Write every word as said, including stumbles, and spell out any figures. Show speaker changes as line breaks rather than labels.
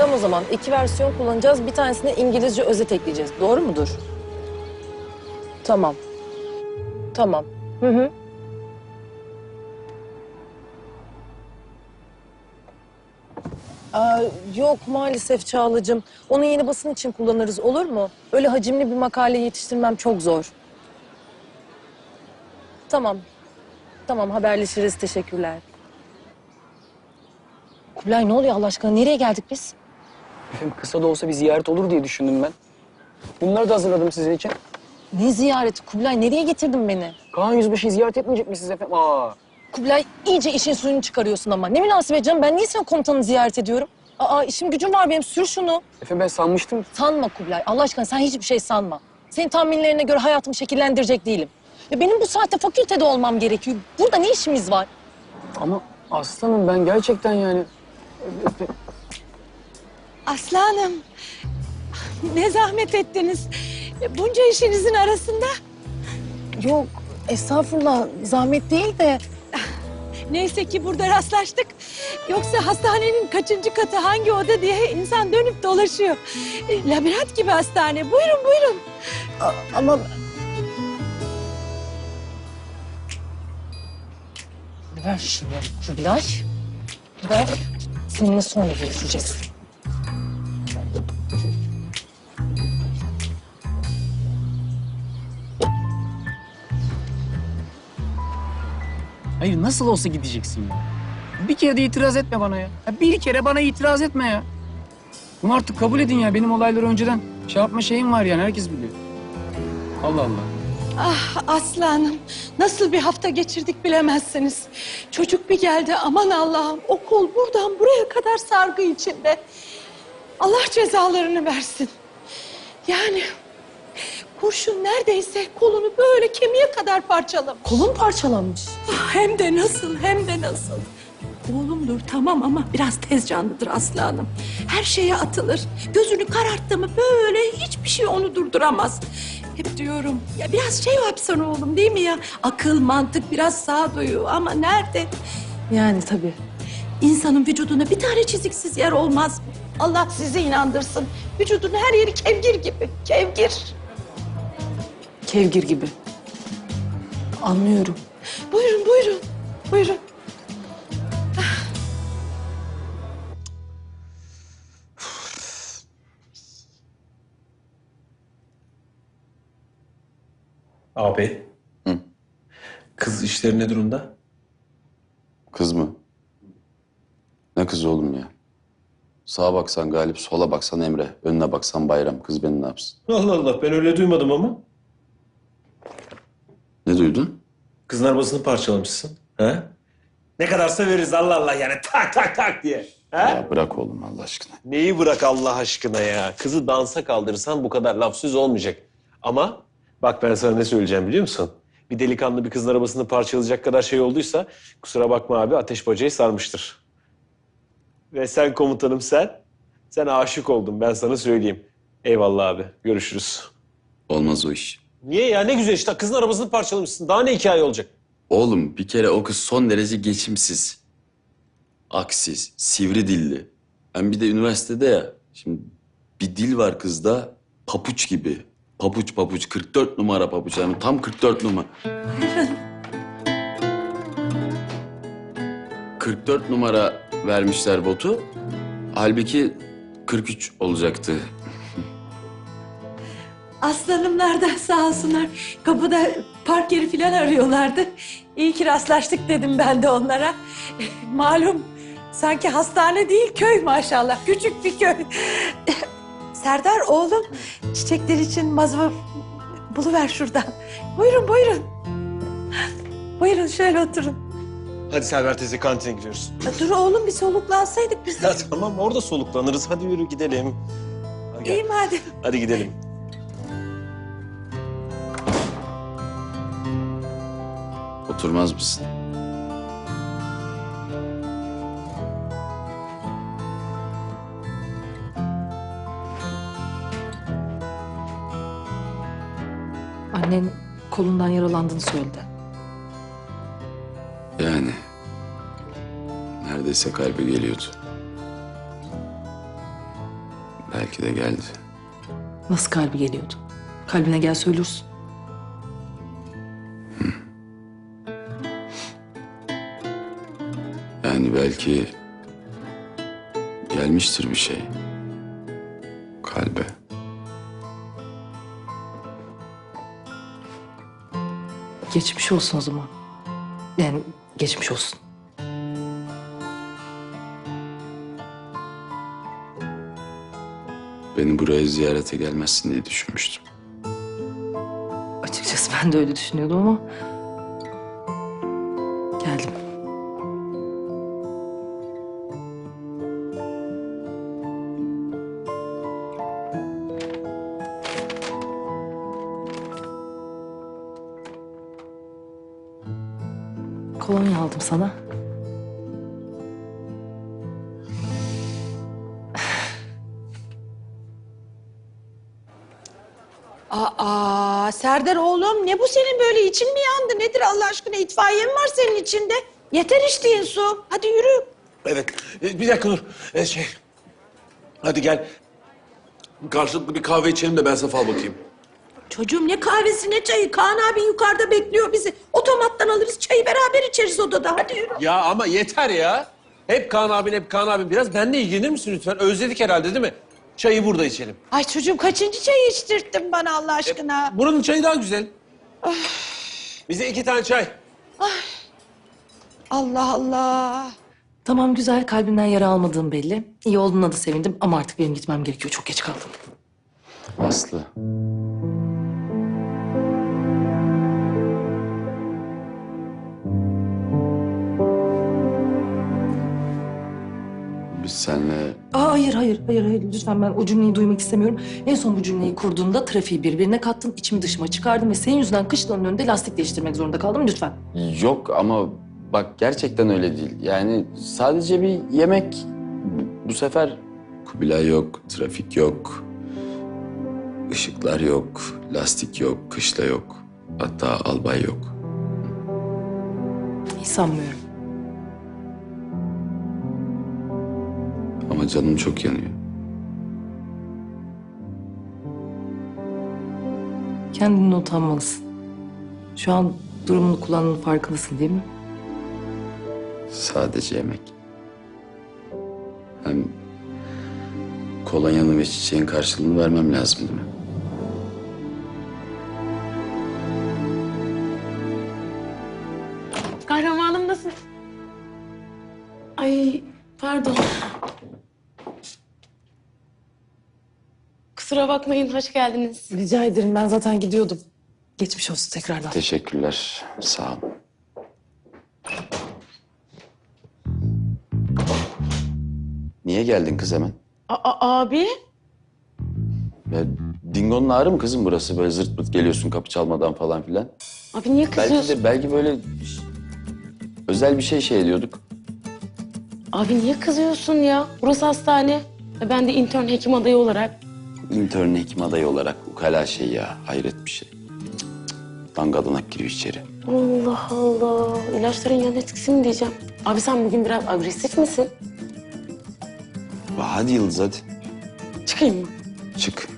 Tamam o zaman iki versiyon kullanacağız. Bir tanesine İngilizce özet ekleyeceğiz. Doğru mudur? Tamam. Tamam. Hı hı. Aa, yok maalesef Çağla'cığım. Onu yeni basın için kullanırız, olur mu? Öyle hacimli bir makale yetiştirmem çok zor. Tamam. Tamam, haberleşiriz. Teşekkürler. Kubilay ne oluyor Allah aşkına? Nereye geldik biz?
Efendim kısa da olsa bir ziyaret olur diye düşündüm ben. Bunları da hazırladım sizin için.
Ne ziyareti Kubilay? Nereye getirdin beni?
Kaan Yüzbaşı'yı ziyaret etmeyecek misiniz efendim? Aa.
Kubilay iyice işin suyunu çıkarıyorsun ama. Ne münasebet canım, ben niye senin komutanını ziyaret ediyorum? Aa, işim gücüm var benim, sür şunu.
Efendim ben sanmıştım.
Sanma Kubilay, Allah aşkına sen hiçbir şey sanma. Senin tahminlerine göre hayatımı şekillendirecek değilim. Ya benim bu saatte fakültede olmam gerekiyor. Burada ne işimiz var?
Ama aslanım ben gerçekten yani...
Aslanım, ne zahmet ettiniz. Bunca işinizin arasında.
Yok, estağfurullah, zahmet değil de...
Neyse ki burada rastlaştık. Yoksa hastanenin kaçıncı katı, hangi oda diye insan dönüp dolaşıyor. Labirent gibi hastane. Buyurun, buyurun.
A- ama... Ver şunu Kubilay. Ver. Seninle sonra görüşeceğiz.
Hayır nasıl olsa gideceksin ya. Bir kere de itiraz etme bana ya. Ya bir kere bana itiraz etme ya. Bunu artık kabul edin ya. Benim olayları önceden şey yapma şeyim var yani. Herkes biliyor. Allah Allah.
Ah aslanım, nasıl bir hafta geçirdik bilemezsiniz. Çocuk bir geldi, aman Allah'ım. O kol buradan buraya kadar sargı içinde. Allah cezalarını versin. Yani kurşun neredeyse kolunu böyle kemiğe kadar parçalamış.
Kolun parçalanmış.
Ah, hem de nasıl, hem de nasıl. Oğlumdur tamam ama biraz tez canlıdır aslanım. Her şeye atılır. Gözünü kararttı mı böyle hiçbir şey onu durduramaz. Hep diyorum ya biraz şey yapsana oğlum değil mi ya? Akıl, mantık, biraz sağduyu ama nerede?
Yani tabii.
İnsanın vücuduna bir tane çiziksiz yer olmaz mı? Allah sizi inandırsın. Vücudun her yeri kevgir gibi, kevgir.
Kevgir gibi. Anlıyorum.
Buyurun, buyurun, buyurun.
Abi.
Hı.
Kız işleri ne durumda?
Kız mı? Ne kız oğlum ya? Sağa baksan Galip, sola baksan Emre, önüne baksan Bayram. Kız beni ne yapsın?
Allah Allah ben öyle duymadım ama.
Ne duydun?
Kızın arabasını parçalamışsın. He? Ne kadarsa veririz Allah Allah yani tak tak tak diye. He?
Ya bırak oğlum Allah aşkına.
Neyi bırak Allah aşkına ya? Kızı dansa kaldırırsan bu kadar laf söz olmayacak. Ama bak ben sana ne söyleyeceğim biliyor musun? Bir delikanlı bir kızın arabasını parçalayacak kadar şey olduysa kusura bakma abi ateş bacayı sarmıştır. Ve sen komutanım sen, sen aşık oldun ben sana söyleyeyim. Eyvallah abi görüşürüz.
Olmaz o iş.
Niye ya ne güzel işte kızın arabasını parçalamışsın daha ne hikaye olacak?
Oğlum bir kere o kız son derece geçimsiz. Aksiz, sivri dilli. Hem bir de üniversitede ya. Şimdi bir dil var kızda papuç gibi. Papuç papuç, kırk dört numara papuç. Yani tam kırk dört numara. kırk dört numara vermişler botu. Halbuki kırk üç olacaktı.
Aslanımlar da sağ olsunlar. Kapıda park yeri falan arıyorlardı. İyi ki rastlaştık dedim ben de onlara. Malum sanki hastane değil köy maşallah. Küçük bir köy. Serdar oğlum çiçekler için mazva buluver şuradan. Buyurun buyurun. Buyurun şöyle oturun.
Hadi Selver teyze kantine gidiyoruz.
Dur oğlum bir soluklansaydık biz de.
Ya tamam orada soluklanırız hadi yürü gidelim. Hadi gel.
İyi madem.
Hadi gidelim.
Oturmaz mısın?
Annen kolundan yaralandığını söyledi.
Yani neredeyse kalbe geliyordu. Belki de geldi.
Nasıl kalbi geliyordu? Kalbine gel söylürsün.
Yani belki gelmiştir bir şey. Kalbe.
Geçmiş olsun o zaman. Yani geçmiş olsun.
Beni buraya ziyarete gelmezsin diye düşünmüştüm.
Açıkçası ben de öyle düşünüyordum ama... geldim. Kolonya aldım sana.
Aa Serdar oğlum ne bu senin böyle için mi yandı? Nedir Allah aşkına itfaiye mi var senin içinde? Yeter içtiğin su. Hadi yürü.
Evet. e, Bir dakika dur. E, şey. Hadi gel. Karşılıklı bir kahve içelim de ben sana fal bakayım.
Çocuğum ne kahvesi ne çayı. Kaan abi yukarıda bekliyor bizi. Otomattan alırız çayı beraber içeriz odada. Hadi yürü.
Ya ama yeter ya. Hep Kaan abin, hep Kaan abin. Biraz benimle ilgilenir misin lütfen? Özledik herhalde değil mi? Çayı burada içelim.
Ay çocuğum kaçıncı çayı içtirttin bana Allah aşkına?
Buranın çayı daha güzel. Bize iki tane çay.
Allah Allah.
Tamam güzel, kalbimden yara almadığım belli. İyi olduğuna da sevindim ama artık benim gitmem gerekiyor. Çok geç kaldım.
Aslı. Biz seninle
Aa, hayır, hayır, hayır, hayır. Lütfen ben o cümleyi duymak istemiyorum. En son bu cümleyi kurduğumda trafiği birbirine kattım, içimi dışıma çıkardım ve senin yüzünden kışlanın önünde lastik değiştirmek zorunda kaldım. Lütfen.
yok ama bak gerçekten öyle değil. Yani sadece bir yemek bu- bu sefer Kubilay yok, trafik yok, ışıklar yok, lastik yok, kışla yok. Hatta albay yok.
Hiç sanmıyorum.
Ama canım çok yanıyor.
Kendini utanmalısın. Şu an durumunu kullandığının farkındasın değil mi?
Sadece yemek. Hem kolonyanın ve çiçeğin karşılığını vermem lazım değil mi?
Kahramanım nasıl? Ay pardon. Kusura bakmayın, hoş geldiniz.
Rica ederim. Ben zaten gidiyordum. Geçmiş olsun tekrardan.
Teşekkürler. Sağ ol. Niye geldin kız hemen?
Aa, abi?
Ya, Dingo'nun ağrı mı kızım burası? Böyle zırt pırt geliyorsun kapı çalmadan falan filan.
Abi niye
Belki
kızıyorsun?
de belki böyle özel bir şey şey ediyorduk.
Abi niye kızıyorsun ya? Burası hastane. Ve ben de intern hekim adayı olarak.
İntern hekim adayı olarak ukala şey ya. Hayret bir şey. Cık cık. Dangadanak giriyor içeri.
Allah Allah. İlaçların yan etkisi mi diyeceğim? Abi sen bugün biraz agresif misin?
Hadi Yıldız hadi.
Çıkayım mı?
Çık.